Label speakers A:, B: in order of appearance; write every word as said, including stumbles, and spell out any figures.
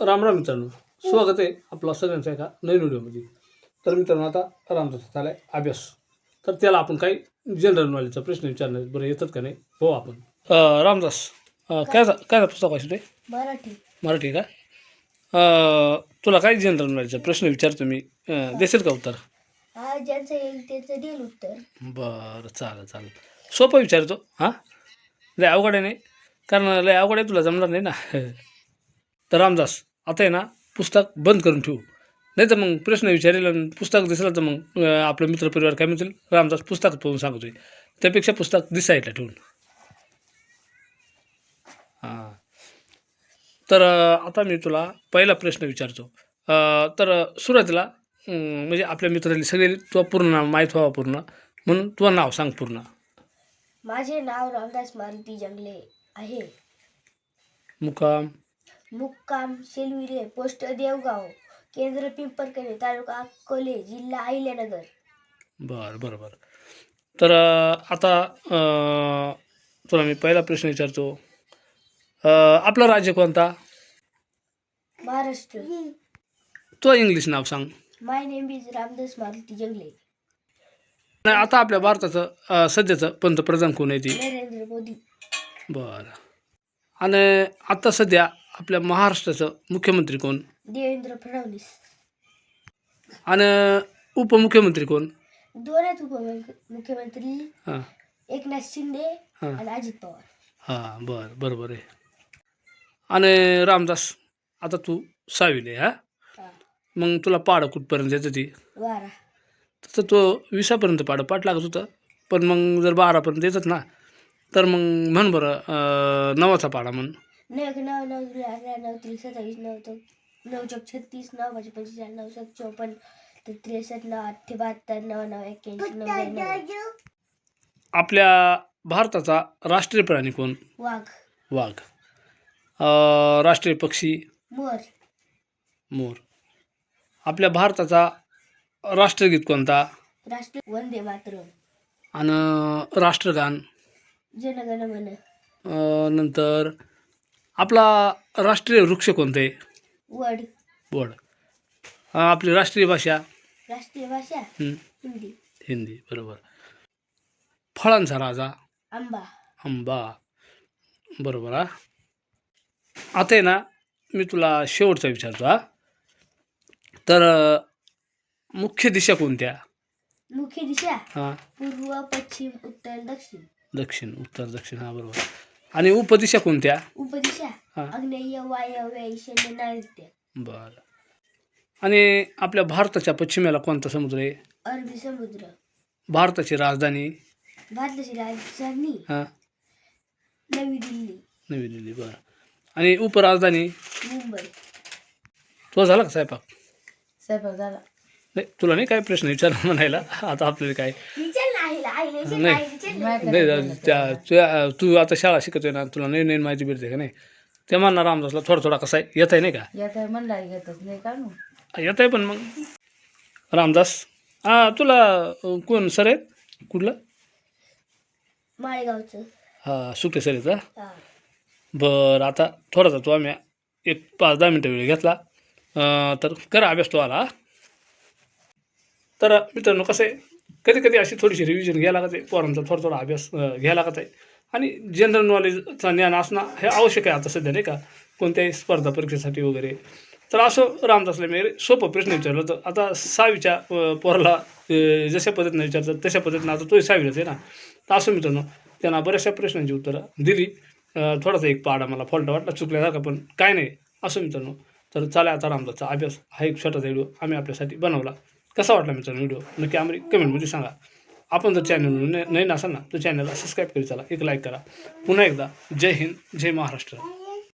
A: राम राम मित्रांनो, स्वागत आहे आपला सगळ्यांचा एका नवीन व्हिडिओमध्ये. तर मित्रांनो, आता रामदास झाला आहे अभ्यास. तर त्याला आपण काही जनरल नॉलेजचा प्रश्न विचारणार. बरं, येतात का नाही हो आपण. अं, रामदास, अं, काय झा- काय पुस्तक वाचतोय?
B: मराठी.
A: मराठी का? अं, तुला काय जनरल नॉलेजचा प्रश्न विचारतो मी, अं, देशील का उत्तर?
B: हा, ज्यांचं येईल त्याचं देईल उत्तर.
A: बरं, चालेल चालेल. सोपं विचारतो हां, लय अवघड आहे नाही, कारण लय अवघड आहे तुला जमणार नाही ना. तर रामदास, आता आहे ना, पुस्तक बंद करून ठेवू, नाही तर मग प्रश्न विचारेल आणि पुस्तक दिसलं तर मग अं, आपलं मित्रपरिवार काय म्हणतील, रामदास पुस्तक पाहून सांगतोय. त्यापेक्षा पुस्तक दिसायला ठेवून. हां, तर अं, आता मी तुला पहिला प्रश्न विचारतो. अं, तर सुरुवातीला अं, म्हणजे आपल्या मित्रांनी सगळे तुझं पूर्ण नाव माहीत व्हावं पूर्ण, म्हणून तुझं नाव सांग पूर्ण.
B: माझे नाव रामदास मारुती जंगले आहे.
A: मुक्काम
B: मुक्काम शेलविरे, पोस्ट देवगाव, केंद्र पिंपरकणे, तालुका अकोले, जिल्हा अहिल्यानगर.
A: बरं बरं बरं. तर अं, आता अं, तुला मी पहिला प्रश्न विचारतो. अं, आपलं राज्य कोणता?
B: महाराष्ट्र.
A: तो इंग्लिश नाव सांग.
B: My name is Ramdas Maruti Jangle.
A: नाही, आता आपल्या भारताचं अं, सध्याचं पंतप्रधान कोण आहे ती?
B: नरेंद्र मोदी.
A: बरं. आणि आता सध्या आपल्या महाराष्ट्राचं मुख्यमंत्री कोण?
B: देवेंद्र फडणवीस.
A: आणि उपमुख्यमंत्री कोण?
B: दोन आहेत उपमुख्यमंत्री,
A: हां
B: एकनाथ शिंदे
A: हां
B: आणि अजित पवार.
A: हां, बरं बरोबर आहे. आणि रामदास, आता तू सहावीला आहे हां,
B: हा.
A: मग तुला पाढं कुठपर्यंत येतं ती?
B: बारा.
A: तसं तो विसापर्यंत पाढं पाठ लागत होतं, पण मग जर बारापर्यंत येतात ना, तर मग म्हण बरं अं, नवाचा पाढा म्हण.
B: नऊ एक नऊ नऊ त्रिक अकरा नऊ त्रिक सत्तावीस नऊ चौक नऊ चौक छत्तीस नऊ पाच पंचेचाळीस नऊ सात चौपन्न ते त्रेसष्ट नऊ आठशे बहात्तर नऊ नऊ एक्क्याऐंशी नऊ.
A: आपल्या भारताचा राष्ट्रीय प्राणी कोण?
B: वाघ.
A: वाघ. अं, राष्ट्रीय पक्षी?
B: मोर.
A: मोर. आपल्या भारताचा राष्ट्रगीत कोणता?
B: राष्ट्र वंदे मातरम.
A: आणि राष्ट्रगान?
B: जनगण मन.
A: अं, नंतर आपला राष्ट्रीय वृक्ष कोणते?
B: वड.
A: वड. अं, आपली राष्ट्रीय भाषा?
B: राष्ट्रीय भाषा
A: हं,
B: हिंदी.
A: हिंदी. बरोबर. फळांचा राजा?
B: आंबा.
A: आंबा. बरोबर हा. आता आहे ना, मी तुला शेवटचा विचारतो हा. तर अं, मुख्य दिशा कोणत्या?
B: मुख्य दिशा
A: हां,
B: पूर्व पश्चिम उत्तर दक्षिण.
A: दक्षिण. उत्तर दक्षिण, हां बरोबर. आणि उपदिशा कोणत्या?
B: उपदिशा
A: हां,
B: आग्नेय वायव्य ईशान्य नैऋत्य.
A: बरं. आणि आपल्या भारताच्या पश्चिमेला कोणता समुद्र आहे?
B: अरबी समुद्र.
A: भारताची राजधानी?
B: भारताची राजधानी
A: हां,
B: नवी दिल्ली.
A: नवी दिल्ली. बरं. आणि उपराजधानी?
B: मुंबई.
A: तो झाला का स्वयंपाक?
B: स्वयंपाक झाला.
A: नाही, तुला नाही काय प्रश्न विचार म्हणायला. आता आपल्याला काय नाही नाही, त्या त्या- तू आता शाळा शिकतोय ना, तुला नवीन नवीन माहिती भेटते का नाही, ते म्हणणार रामदासला थोडा थोडा कसा आहे येत आहे नाही का?
B: येत आहे म्हणला येतच नाही का मग.
A: येत आहे पण मग रामदास, हां तुला अं, कोण सर आहेत कुठलं?
B: माळेगावचं.
A: हां, सुटे सर आहेत का?
B: हा.
A: बरं. आता थोडासा तो आम्ही एक पाच दहा मिनटं वेळ घेतला, अं, तर करा अभ्यास तो आला हा. तर मित्रांनो, कसं आहे, कधी कधी अशी थोडीशी रिव्हिजन घ्यायला लागत आहे पोरांचा, थोडा थोडा अभ्यास अं, घ्यायला लागत आहे. आणि जनरल नॉलेजचं ज्ञान असणं हे आवश्यक आहे आता सध्या नाही का, कोणत्याही स्पर्धा परीक्षेसाठी वगैरे. तर असं रामदासला मी सोपं प्रश्न विचारलं होतं. आता सहावीच्या अं, पोराला अं, जशा पद्धतीनं विचारतात तशा पद्धतीनं आता तोही सहावीलाच आहे ना, तर असं मित्रांनो त्यांना बऱ्याचशा प्रश्नांची उत्तरं दिली. अं, थोडासा एक पाडा मला फॉल्ट वाटला चुकल्यासारखा, पण काय नाही असं मित्रांनो. तर चालेल, आता रामदासचा अभ्यास हा एक छोटासा व्हिडिओ आम्ही आपल्यासाठी बनवला. कसा वाटला मित्रांनो व्हिडिओ, नक्की आम्हाला कमेंटमध्ये सांगा. आपण जर चॅनल नवीन असाल ना, तर चॅनलला सबस्क्राईब करी, चला एक लाईक करा. पुन्हा एकदा जय हिंद, जय महाराष्ट्र.